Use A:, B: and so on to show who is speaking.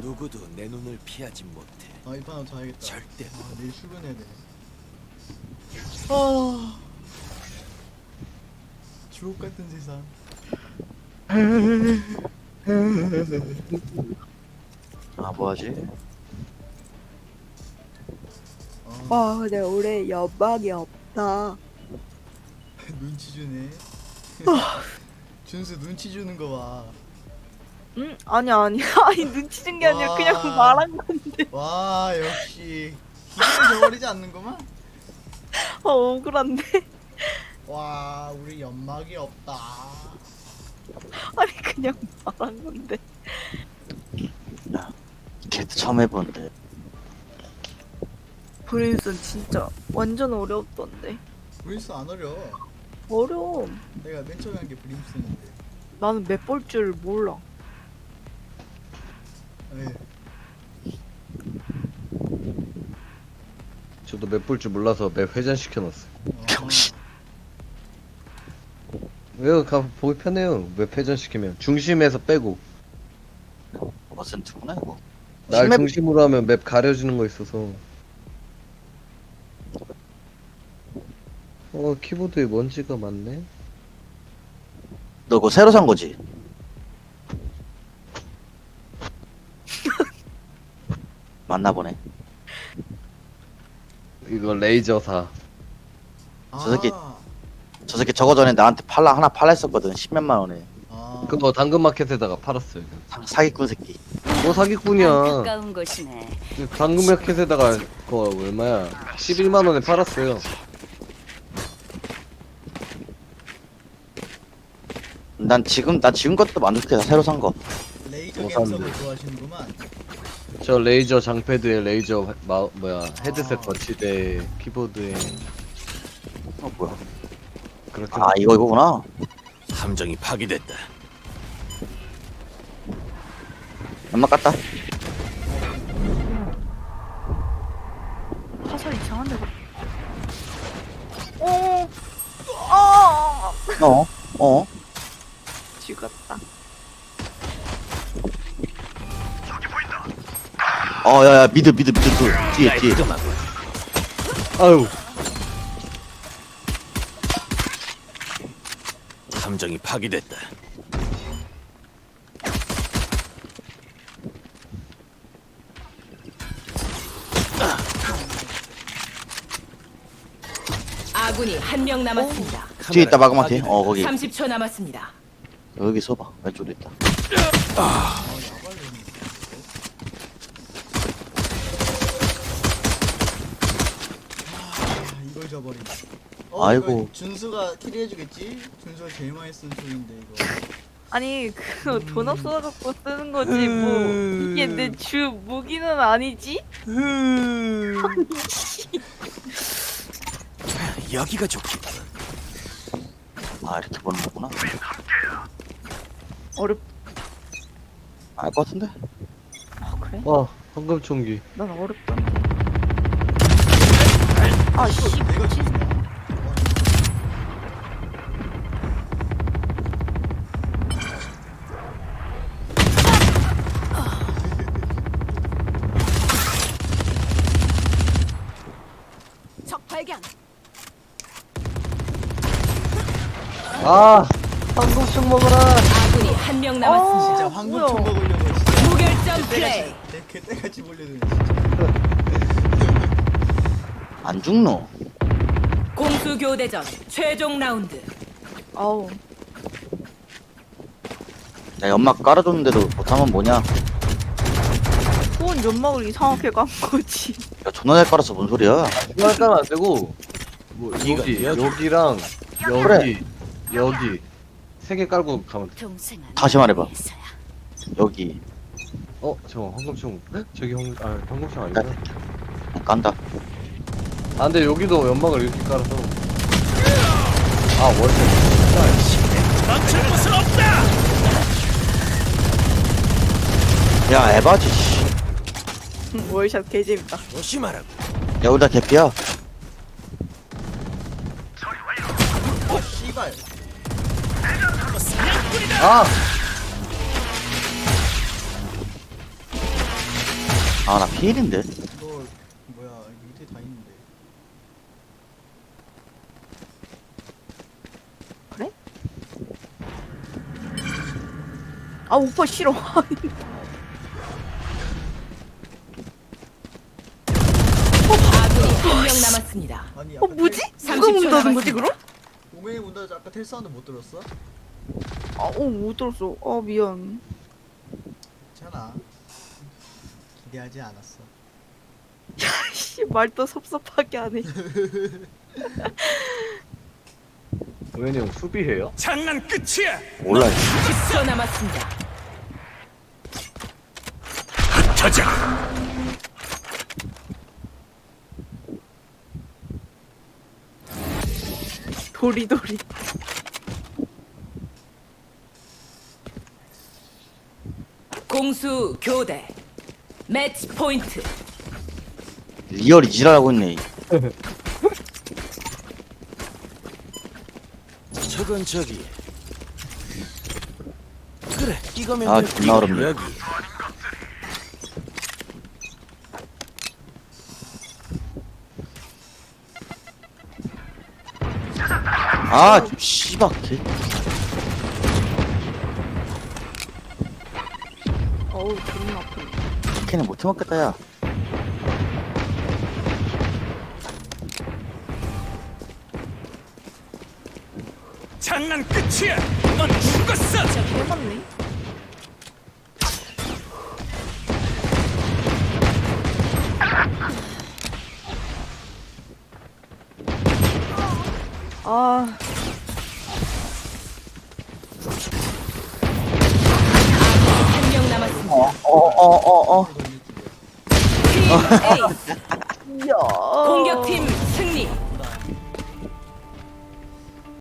A: 누구도 내 눈을 피하지 못해.
B: 이 판 한번 자야겠다.
A: 절대.
B: 내일 출근해야 돼. 주옥 같은 세상.
C: 뭐하지?
D: 와 근데 올해 연막이 없다.
B: 눈치 주네. 준수 눈치 주는 거 봐.
D: 응? 아니 아니 눈치 준 게 아니라 그냥
B: 와.
D: 말한 건데.
B: 와 역시 기분을 저버리지 않는구만.
D: 억울한데.
B: 와 우리 연막이 없다.
D: 아니 그냥 말한 건데.
C: 걔도 처음 해보는데.
D: 브레인슨 진짜 완전 어려웠던데.
B: 브림스 안 어려.
D: 어려워.
B: 내가 맨 처음에 한 게 브림스인데.
D: 나는 맵 볼 줄 몰라.
B: 네.
E: 저도 맵 볼 줄 몰라서 맵 회전시켜놨어요.
C: 병신.
E: 왜요? 보기 편해요. 맵 회전시키면 중심에서 빼고
C: 퍼센트구나 이거.
E: 날
C: 심해-
E: 중심으로 하면 맵 가려지는 거 있어서. 키보드에 먼지가 많네.
C: 너 그거 새로 산 거지? 맞나 보네.
E: 이거 레이저사.
C: 저 새끼. 저 새끼 저거 전에 나한테 하나 팔라 했었거든. 10몇만 원에.
E: 그거 당근마켓에다가 팔았어요.
C: 사기꾼 새끼.
E: 뭐 사기꾼이야.
F: 가까운 곳이네.
E: 당근마켓에다가 그거 얼마야? 11만 원에 팔았어요.
C: 나 지금 것도 만족해. 새로 산 거.
B: 레이저
E: 뭐
B: 감성을
E: 샀는데.
B: 좋아하시는구만.
E: 저 레이저 장패드에 레이저 헤드셋 거치대 키보드에
C: 뭐야?
E: 그렇게
C: 이거구나.
A: 함정이 파괴됐다.
C: 연막 깠다.
D: 화살 이상한데. 어. 죽었다.
C: 야야 미드 뒤에.
A: 깔끔하고.
E: 아유
A: 함정이 파괴됐다.
F: 아군이 한 명 남았습니다.
C: 뒤에 있다
A: 카메라
C: 마그마티.
A: 파괴됐다.
C: 거기
F: 30초 남았습니다.
C: 여기 서봐. 왼쪽에 있다.
B: 이걸 저버리네.
C: 아이고.
B: 이거 준수가 캐리해주겠지? 준수가 제일 많이 쓴 소리인데 이거.
D: 아니 그거 돈 없어갖고 쓰는 거지 뭐 이게 내 주 무기는 아니지?
A: 여기가 좋겠군.
C: 이렇게 보는 거구나.
D: 어렵.
C: 알 것 같은데?
D: 그래?
E: 황금총기.
D: 난 어렵던데. 이거
B: 내가 준수야.
F: 적 발견.
E: 황금총 먹어라.
F: 아군이 한 명 남았습니다.
B: 진짜 황금총 먹으려고 진짜
F: 무결점 플레이.
B: 개떼같이 몰려드네 진짜.
C: 안 죽노?
F: 공수 교대전 최종 라운드.
D: 아우
C: 야 연막 깔아줬는데도 못하면 뭐냐?
D: 소원 연막을 이상하게 간 거지.
C: 야 존나 잘 깔았어. 뭔 소리야?
E: 중간 깔면 안 되고 뭐 여기랑
C: 그래.
E: 여기 3개 깔고 가면 돼.
C: 다시 말해봐. 여기
E: 잠깐 황금총. 저기 황금총 아니구나.
C: 깐다.
E: 근데 여기도 연막을 이렇게 깔아서 월세.
A: 멈출 곳은 없다.
C: 야 에바지. 씨.
D: 월샷 개재밌다.
A: 조심하라고.
C: 야 우리 다 개피야.
B: 씨발.
C: 아, 나 피일인데.
B: 너 뭐야 여기 밑에 다 있는데.
D: 아 오빠 싫어.
F: 아군이 한 명 남았습니다.
B: 아니
D: 어 뭐지? 누가
F: 30초
D: 문 닫은 거지
F: 남았습니다.
D: 그럼?
B: 오메이 문 닫아 아까 텔 사운드 못 들었어?
D: 아못 들었어. 아 미안.
B: 괜찮아. 기대하지 않았어.
D: 씨 말도 섭섭하게 하네.
E: 도현이 형 수비해요?
A: 장난 끝이야.
C: 몰라.
F: 10초 남았습니다.
A: 흩어져.
D: 도리도리.
F: 공수 교대. 매치 포인트.
C: 리얼이 지랄하고 있네.
A: 저건 저기. 그래, 이거면
C: 아,
A: 돼.
C: 존나 어렵네.
A: 여기.
C: 아, 씨발, 개.
D: 어우 존나 아프네.
C: 걔는 못 해먹겠다, 야.
A: 장난 끝이야. 넌 죽었어.
D: 진짜 개맞네. 아
F: 한 명 남았습니다.
C: 어.
F: 팀 A
D: 야.
F: 공격팀